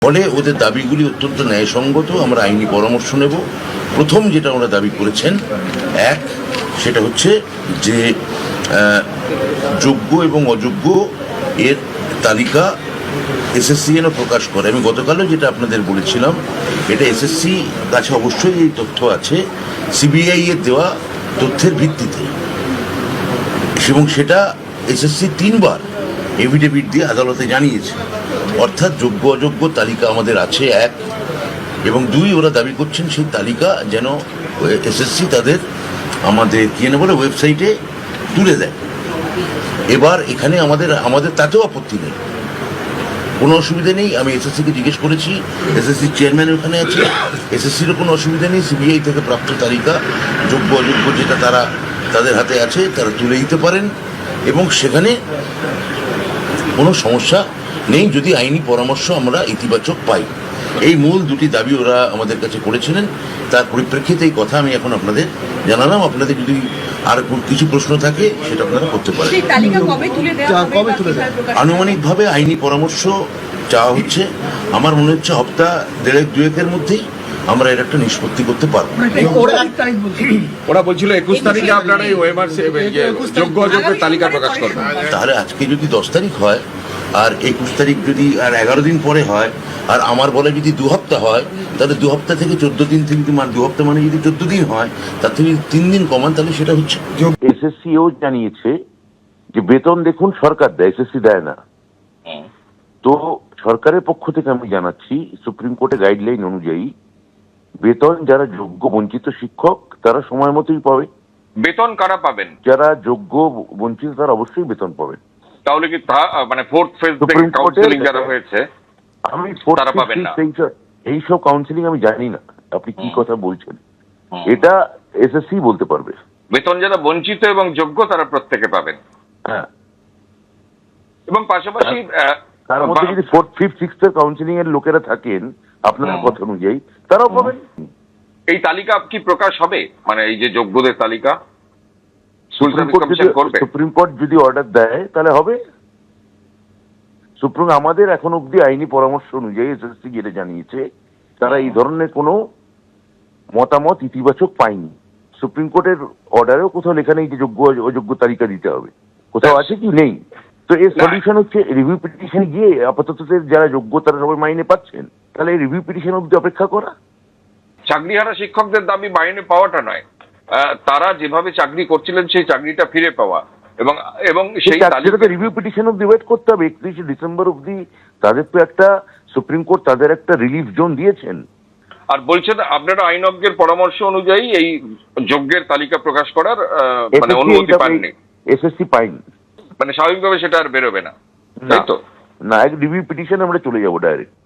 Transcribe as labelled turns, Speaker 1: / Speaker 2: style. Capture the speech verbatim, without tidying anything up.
Speaker 1: ফলে ওদের দাবিগুলি অত্যন্ত ন্যায়সঙ্গত। আমরা আইনি পরামর্শ নেব। প্রথম যেটা ওরা দাবি করেছেন, এক সেটা হচ্ছে যে যোগ্য এবং অযোগ্য এর তালিকা এসএসসি যেন প্রকাশ করে। আমি গতকালও যেটা আপনাদের বলেছিলাম, এটা এসএসসি কাছে অবশ্যই এই তথ্য আছে সিবিআই এর দেওয়া তথ্যের ভিত্তিতে, এবং সেটা এসএসসি তিনবার এভিডেভিট দিয়ে আদালতে জানিয়েছে। অর্থাৎ যোগ্য অযোগ্য তালিকা আমাদের আছে এক, এবং দুই ওরা দাবি করছেন সেই তালিকা যেন এসএসসি তাদের আমাদের কি না বলে ওয়েবসাইটে তুলে দেয়। এবার এখানে আমাদের আমাদের তাতেও আপত্তি নেই, কোনো অসুবিধা নেই। আমি এসএসসিকে জিজ্ঞেস করেছি, এসএসসির চেয়ারম্যান ওখানে আছে, এসএসসিরও কোনো অসুবিধা নেই। সিবিআই থেকে প্রাপ্ত তালিকা যোগ্য অযোগ্য যেটা তারা তাদের হাতে আছে তারা তুলে দিতে পারেন, এবং সেখানে কোনো সমস্যা নেই যদি আইনি পরামর্শ আমরা ইতিবাচক পাই। এই মূল দুটি দাবি ওরা আমাদের কাছে করেছিলেন। তার পরিপ্রেক্ষিতে এই কথা আমি এখন আপনাদের জানালাম। আপনাদের যদি আর কিছু প্রশ্ন থাকে সেটা আপনারা করতে পারেন। আনুমানিকভাবে আইনি পরামর্শ চাওয়া হচ্ছে। আমার মনে হচ্ছে সপ্তাহ দেড়েক দুয়েকের মধ্যেই আমরা এর একটা নিষ্পত্তি করতে পারবো।
Speaker 2: ওরা বলছিল একুশ তারিখে আপনারা এই ওয়েমার যোগ্য অযোগ্যের তালিকা প্রকাশ করবেন।
Speaker 1: তাহলে আজকে যদি দশ তারিখ হয় আর একুশ তারিখ যদি আর এগারো দিন পরে হয়, আর আমার বলে যদি দু হপ্তাহ হয়, তাহলে দু হপ্তাহ থেকে চোদ্দ দিন থেকে দু হপ্তাহ মানে যদি চোদ্দ দিন হয়, তার থেকে তিন দিন কমান, তাহলে সেটা হচ্ছে। এসএসসিও জানিয়েছে যে বেতন দেখুন সরকার দেয়, এসএসসি দেয় না। তো সরকারের পক্ষ থেকে আমি জানাচ্ছি, সুপ্রিম কোর্টের গাইডলাইন অনুযায়ী বেতন যারা যোগ্য বঞ্চিত শিক্ষক তারা সময় মতোই পাবে।
Speaker 2: বেতন কারা পাবেন?
Speaker 1: যারা যোগ্য বঞ্চিত তারা অবশ্যই বেতন পাবেন।
Speaker 2: তাহলে কি তা মানে ফোর্থ ফেজ থেকে কাউন্সেলিং যারা হয়েছে
Speaker 1: আমি
Speaker 2: তারা পাবেন না?
Speaker 1: এইসব কাউন্সেলিং আমি জানি না, আপনি কি কথা বলছেন, এটা এসএসসি বলতে পারবে।
Speaker 2: বেতন যারা বঞ্চিত এবং যোগ্য তারা প্রত্যেকে পাবেন।
Speaker 1: হ্যাঁ,
Speaker 2: এবং পাশাপাশি
Speaker 1: তার মধ্যে যদি ফোর্থ ফিফথ সিক্সথ এর কাউন্সেলিং এর লোকেরা থাকেন আপনার কথা অনুযায়ী, তারাও পাবেন।
Speaker 2: এই তালিকা কি প্রকাশ হবে, মানে এই যে যোগ্যদের তালিকা
Speaker 1: সুপ্রিম কোর্ট যদি অর্ডার দেয় তাহলে হবে। সুপ্রিম আমাদের এখন অব্দি আইনি পরামর্শ অনুযায়ী এসএসসি যেটা জানিয়েছে, তারা এই ধরনের কোনো মতামত ইতিবাচক পায়নি। সুপ্রিম কোর্টের অর্ডারেও কোথাও লেখা নেই যে যোগ্য অযোগ্য তালিকা দিতে হবে, কোথাও আছে কি নেই। তো এর সলিউশন হচ্ছে রিভিউ পিটিশন গিয়ে আপাতত যারা যোগ্য তারা সবাই মাইনে পাচ্ছেন, তাহলে এই রিভিউ পিটিশন অব্দি অপেক্ষা করা।
Speaker 2: চাকরিহারা শিক্ষকদের দাবি মাইনে পাওয়াটা নয়, তারা যেভাবে চাকরি করছিলেন সেই চাকরিটা ফিরে পাওয়া, এবং এবং সেই তালিকাতে
Speaker 1: রিভিউ পিটিশন অব্দি ওয়েট করতে হবে। একত্রিশে ডিসেম্বর অব্দি তাদের তো একটা সুপ্রিম কোর্ট তাদের একটা রিলিফ জোন দিয়েছেন।
Speaker 2: আর বলছেন আপনারা আইনজ্ঞের পরামর্শ অনুযায়ী এই যোগ্যের তালিকা প্রকাশ করার মানে অনুমতি পাননি?
Speaker 1: এসএসসি পাইনি,
Speaker 2: মানে স্বাভাবিকভাবে সেটা আর বেরোবে না, তাই তো?
Speaker 1: না, এক রিভিউ পিটিশন আমরা চলে যাবো ডাইরেক্ট।